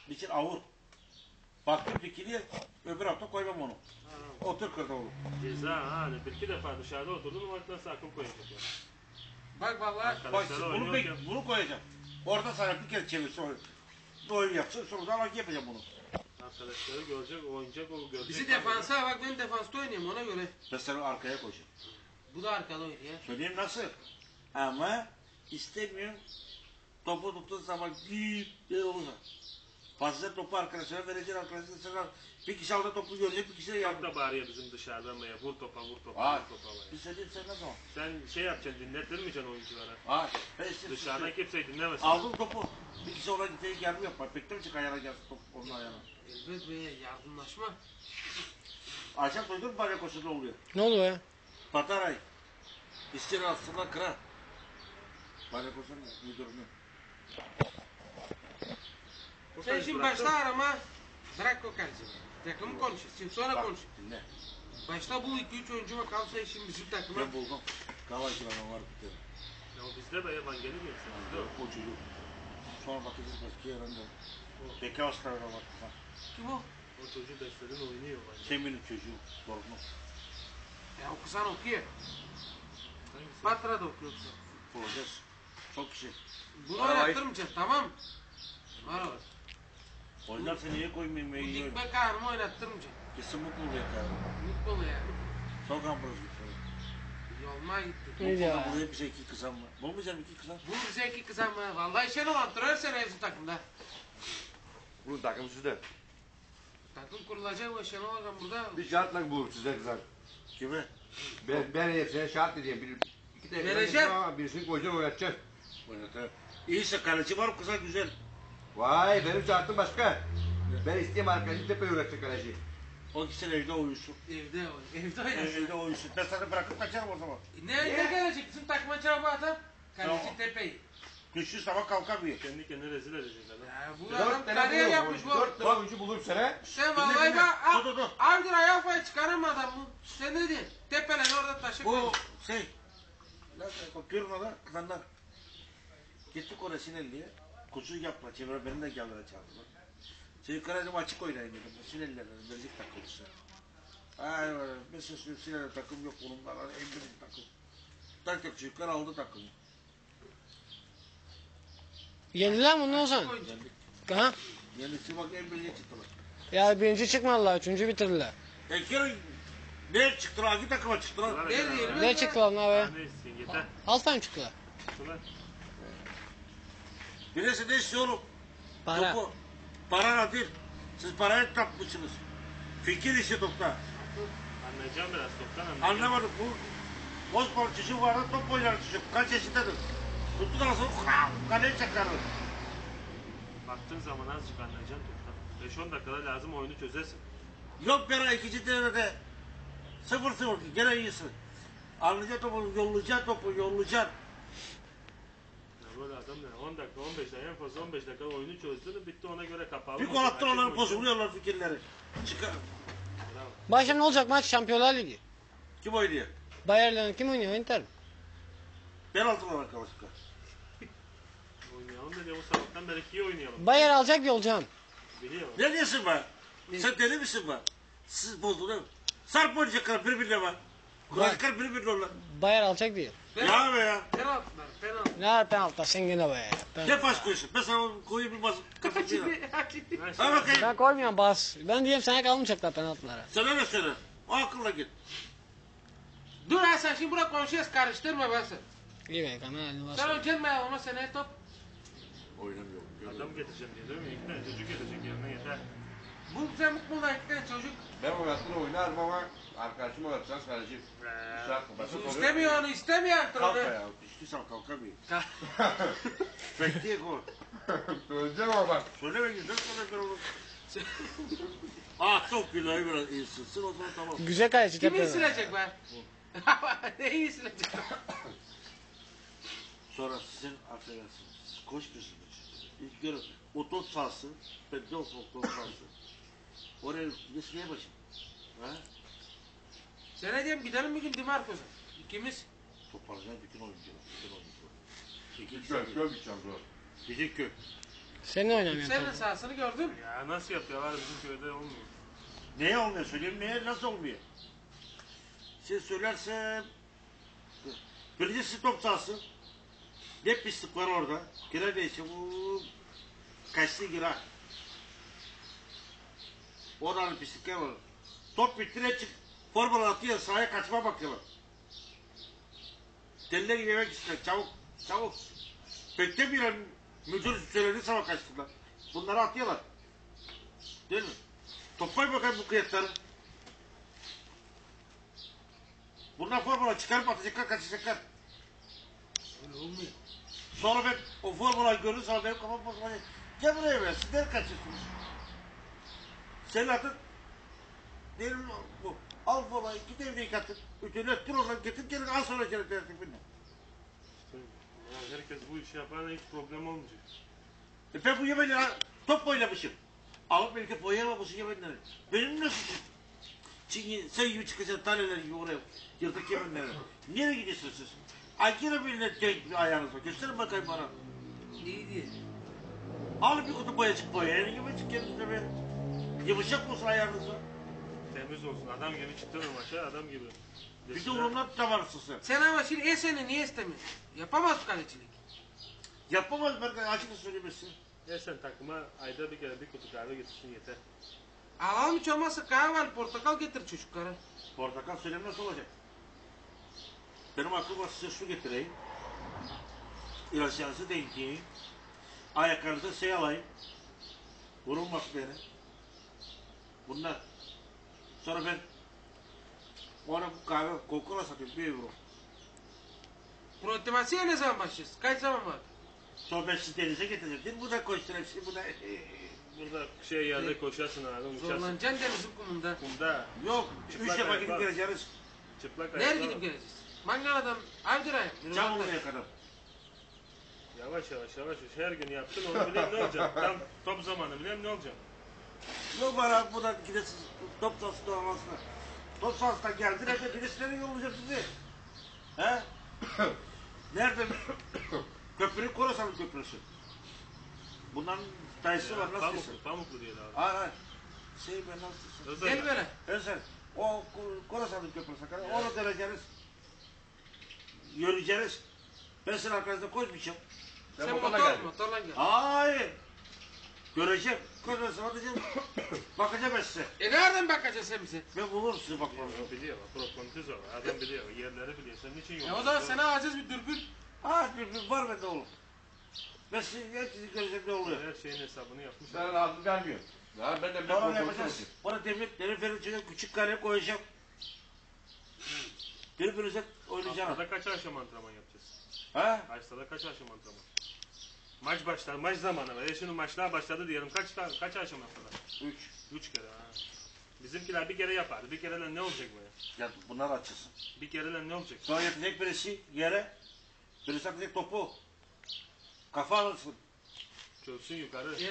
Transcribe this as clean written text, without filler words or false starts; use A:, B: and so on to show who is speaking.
A: için avur. Baktım dikiliye öbür hafta koymam onu. Otur kırda olur.
B: Ceza ha. Bir iki defa dışarıda oturdum ama nasıl akıl koyacak ya.
C: Bak vallahi.
A: Bak bunu koyacağım. Orada sana bir kere çevir sonra. Oyun yapsın sonra da yapacağım bunu.
B: Arkadaşları görecek, oynayacak, o görecek.
C: Bizi defansa bak ben defansta oynayayım ona göre.
A: Ben seni arkaya koyacağım.
C: Bu da arkada oynuyor.
A: Söyleyeyim nasıl? Ama istemiyorum. Topu tuttuğun zaman büyük bir olursa. Fazla topu arkadaşlara vereceksin arkadaşlara. Bir kişi aldı topu görecek, bir kişi de
B: Çok
A: yardım.
B: da bağırıyor bizim dışarıdan ya. Vur topa, vur topa,
A: Aa,
B: vur topa.
A: bir söyleyeyim sen ne zaman?
B: Sen şey yapacaksın, dinlettirmeyeceksin oyunculara.
A: Aa,
B: Dışarıdan kimseyi dinlemesin.
A: aldım topu. Bir kişi ona gidecek yardım yapar. Beklemişik ayağına gelsin top onun ayağına.
C: Elbet be yardımlaşma.
A: Akşam duydun mu bana koşuda oluyor?
D: Ne oluyor ya?
A: Pataray. İşçinin aslında kırar. Bana koşun müdürünü.
C: Sen şimdi başla arama. Bırak o kaleci. Takımı konuşuyorsun. Sonra konuş.
A: Dinle.
C: Başta bu 2-3 oyuncu var kalsa şimdi bizim takıma.
A: Ben buldum. Kavacılar var bir tane.
B: Ya o bizde be yaman gelir mi? Bizde o.
A: O çocuk. Sonra bakacağız başka yerinde. Beki hastalara bak.
C: Kim o?
B: O çocuğu besledin oynuyor bence.
A: Semih'in çocuğu. Torunu.
C: Ya okusan okuyor.
B: Hangisi?
C: Patra da okuyorsun.
A: Bulacağız. Çok kişi.
C: Bunu oynattırmayacaksın tamam. Var o.
A: Oynarsa niye koymayayım?
C: Bu
A: İyi
C: dikme karnımı oynattırmayacaksın.
A: Kesin mutlu oluyor yani.
C: Mutlu mu yani?
A: Sokan burası gitti.
C: Yolma gitti.
D: Ne diyor ya?
A: Buraya bize 2 kızan var. Bulmayacağım 2 kızan.
C: Bu bize 2 kızan mı? Vallahi Şenol antrenör sene bizim takımda.
E: Bunun takımı sizde.
C: Takım kurulacak o Şenol Hocam burada.
E: Bir şartla bulur size kızar.
A: Kime?
E: Ben hepsine şart diyeyim. İki tane
C: Vereceğim.
E: ama birisini koyacaksın oynatacaksın.
A: Oynatır. İyiyse kaleci var kızan güzel.
E: Vay benim şartım başka. Ben isteyeyim arkadaşı tepe öğretecek kaleci.
A: O gitsin evde uyusun.
C: Evde o. Evde oynasın.
A: Evde uyusun. Ben sana bırakıp kaçarım o zaman.
C: Ne gelecek bizim takıma cevabı adam? Kaleci
A: Tamam.
C: Tepe'yi.
A: Düştüğü zaman kalkamıyor.
B: Kendi kendine rezil edecek adam.
C: Ya bu adam
E: 4 tane
C: kariyer
E: bulurum.
C: yapmış bu.
E: 4 tane oyuncu bulurum sana.
C: Sen vallahi
A: dinle.
C: bak.
A: Dur.
C: Abdur ayağı çıkarama adam bu. Sen ne diyorsun? Tepelen orada taşı
A: Bu
C: koymuş.
A: şey. Pirno'da kızanlar. Gittik oraya Sinelli'ye. Kuzu yapma. Çevre beni de geldiler çağırdılar. Şey kararım açık oynayın dedim. Sinelli'lerden verecek takılırsa. Ay mesela Sinelli takım yok bunun var. En büyük takım. Tak çocuklar aldı takımı.
D: Yendiler mi bunu o zaman?
C: Oyuncu.
D: Ha?
A: Yenisi bak en büyüğe çıktılar.
D: Ya birinci çıkmadılar, üçüncü bitirdiler.
A: Kere ne çıktılar? Hangi takıma çıktılar?
C: Ne diyelim?
D: Ne çıktılar ne be?
B: Ne istiyorsun yeter.
D: Alttan çıktılar.
B: Şuna.
A: Birisi ne istiyor oğlum?
D: Para.
A: Topu. Para değil. Siz parayı tapmışsınız. Fikir işi topta.
B: Anlayacağım biraz toptan anlayacağım.
A: Anlamadım. Bu Bozbol çocuğu vardı top oynar çocuk. Kaç yaşındadır? Tuttu da nasıl kaleye çakardı.
B: Baktığın zaman azıcık anlayacaksın toptan. 5-10 dakikada lazım oyunu çözersin.
A: Yok bir ara ikinci devrede 0-0 gene iyisin. Anlayacaksın topu, yollayacaksın.
B: Ya böyle adam ne? 10 dakika, 15 dakika, en fazla 15 dakika oyunu çözdün, bitti ona göre kapalı.
A: Bir gol attın onların bozuluyorlar fikirleri. Çıkar.
B: Bravo.
D: Başka ne olacak maç? Şampiyonlar Ligi.
A: Kim oynuyor?
D: Bayern'le kim oynuyor? Inter mi?
A: Penaltılar arkadaşlar.
B: Oynayalım dedi, o sabahtan beri iyi oynayalım.
D: Bayern alacak diye olacağım.
B: Biliyor.
A: Ne diyorsun be? Sen deli misin be? Siz bozdunuz. Sarp oynayacaklar birbirine be. Kuracaklar birbirine onlar.
D: Bayern alacak diye.
A: Ya be ya.
C: Penaltılar, penaltı.
D: Ne var penaltı sen yine be.
A: Ne pas koyuyorsun? Ben sana koyayım bir bas. Kapatayım.
B: Her
A: Ha
B: şey
A: bakayım.
D: Ben koymuyorum bas. Ben diyeyim sana kalmayacaklar penaltılara.
A: Söyle ne söyle. O akılla git.
C: Dur ha sen şimdi burada konuşuyoruz karıştırma ben sen.
D: İyi be kameranı bas.
C: Sen önce ama seneye top.
A: Oynamıyor.
B: adam getireceğim diye değil mi? İki tane çocuk gelecek yerine yeter.
C: Bu sen mutlu iki tane çocuk.
E: Ben oynattığını oynarım ama arkadaşım oynatacağız kaleci. Şart mı? Basit oluyor.
C: İstemiyor onu istemiyor
A: Kalk
C: antrenör.
A: ya. Düştüysem kalkamıyor. Bekleyin gol.
E: Söyleyeceğim ama bak.
A: Söyleme güzel söyle ben onu. Çok güzel biraz iyisizsin o zaman tamam.
D: Güzel kaleci
C: Kimi
D: tepede.
C: silecek be? Neyi silecek?
A: Sonra sizin affedersiniz. Koşmuyorsunuz. İlk görün. O top sahası. Ben de o top sahası. Oraya nesneye başım. Ha?
C: Sen ne diyeyim gidelim bir gün Dimarcos'a. İkimiz.
A: Toparlayacağım bütün oyuncular. Bütün oyuncular. İkinci
E: Göl gideceğim bro.
A: Gidecek köy.
D: Sen ne oynamıyorsun?
C: Senin sahasını gördüm.
B: Ya nasıl yapıyorlar bizim köyde olmuyor.
A: Neye olmuyor söyleyeyim, neye nasıl olmuyor? Siz söylersem... Birincisi top sahası. Ne pislik var orada. Girer neyse bu... Kaçtı girer. Oradan pislikler var. Top bittire çık. Formula atıyor, sahaya kaçma bakıyorlar. Deliler gibi yemek istiyor. Çabuk, çabuk. Beklemiyorlar. Müdür söylediği zaman kaçtılar. Bunları atıyorlar. Değil mi? Toplayın bakayım bu kıyakları. Bunlar formula çıkarıp atacaklar, kaçacaklar.
C: Öyle olmuyor.
A: Sonra ben o formulayı görürüm, sonra benim kafam bozulacak. Gel buraya be, sizler kaçıyorsunuz. Senin adın, benim bu. Al formulayı, git evde yıkatın. Ütünü öttür oradan, getir gelin, al sonra gelin tertibinle.
B: İşte, ya herkes bu işi yaparsa hiç problem olmayacak.
A: Ben bu yemenleri top oynamışım. Alıp belki boyayamamışım yemenleri. Benim ne suçum? Çünkü sen gibi çıkacaksın taneler gibi oraya yırtık yemenleri. Nereye gidiyorsunuz siz? Ay yine birine denk bir ayağınız var. Gösterin bakayım bana.
C: İyi diye.
A: Al bir kutu boyacık boya. Yani yumuşak kendinize be. Yumuşak olsun ayağınız var.
B: Temiz olsun. Adam gibi çıktın maça adam gibi.
A: Bir de onunla tutamarsın sen.
C: Sen ama şimdi Esen'i niye istemiyorsun? Yapamaz kalecilik.
A: Yapamaz ben açık söylemesin.
B: Sen takıma ayda bir kere bir kutu kahve getirsin yeter.
C: Alalım hiç olmazsa kahve al, portakal getir çocuklara.
A: Portakal söylemez olacak. Benim aklıma size su getireyim. İlaçlarınızı denkleyeyim. Ayaklarınıza alayım. Vurulmaz beni. Bunlar. Sonra ben ona bu kahve kokula satıyorum 1 euro.
C: Protimasiye ne zaman başlıyorsun? Kaç zaman var?
A: Sonra ben sizi denize getireceğim. Değil mi? Bu da koşturayım sizi. Bu da...
B: Burada yerde koşarsın abi uçarsın.
C: Zorlanacaksın denizin kumunda.
B: Kumda
A: Yok. 3
B: Çıplak
A: defa
B: ayak
A: gidip
B: var.
A: geleceğiz.
B: çıplak
C: Nereye
B: ayakla.
C: gidip geleceğiz? Mangala'dan Avdıray'a.
A: Cam olmaya kadar.
B: Yavaş yavaş her gün yaptın onu bileyim ne olacak. Tam top zamanı bileyim ne olacak.
A: Yok bana buradan gidesiz top sahası doğamasına. Top sahasına geldin hep birisine yollayacağım sizi. He? Nerede? Köprü Korasan Köprüsü. Bunların dayısı var nasıl desin?
B: Pamuklu diye abi.
A: Hayır hayır. Ben nasıl desin?
C: Gel böyle.
A: Özel. O Korasan Köprüsü kadar. Onu döneceğiz. Yürüyeceğiz. Ben senin arkanızda koşmayacağım.
C: Sen
E: motorla geldin.
C: motorla gel.
A: Hayır. Göreceğim. Göreceğim. Bakacağım. Bakacağım ben size.
C: Nereden bakacaksın sen bize?
A: Ben bulurum sizi bakmanızı.
B: O biliyor. Prokontiz o. Adam biliyor. Yerleri biliyor. Senin için yok.
C: O zaman sana alacağız bir dürbün.
A: Bir var bende oğlum. Ben sizi göreceğim ne oluyor.
B: Her şeyin hesabını yapmış.
E: Sen lazım gelmiyor. Ya ben de bir
A: Sonra ne
E: kontrol
A: yapacağız?
E: edeyim.
A: Bana demir ferin içine küçük kare koyacağım. Birbirinize oynayacağım.
B: Haftada kaç akşam antrenman yapacağız?
A: Ha?
B: Haftada kaç akşam antrenman? Maç başlar. Maç zamanı var. Şimdi maçlar başladı diyelim. Kaç akşam haftada?
A: 3.
B: 3 kere. Ha. Bizimkiler bir kere yapardı. Bir kereyle ne olacak bu ya?
A: Ya bunlar açılsın.
B: Bir kereyle ne olacak?
A: Sonra yatacak birisi yere. Birisi atacak topu. Kafa alırsın.
B: Çölsün yukarı.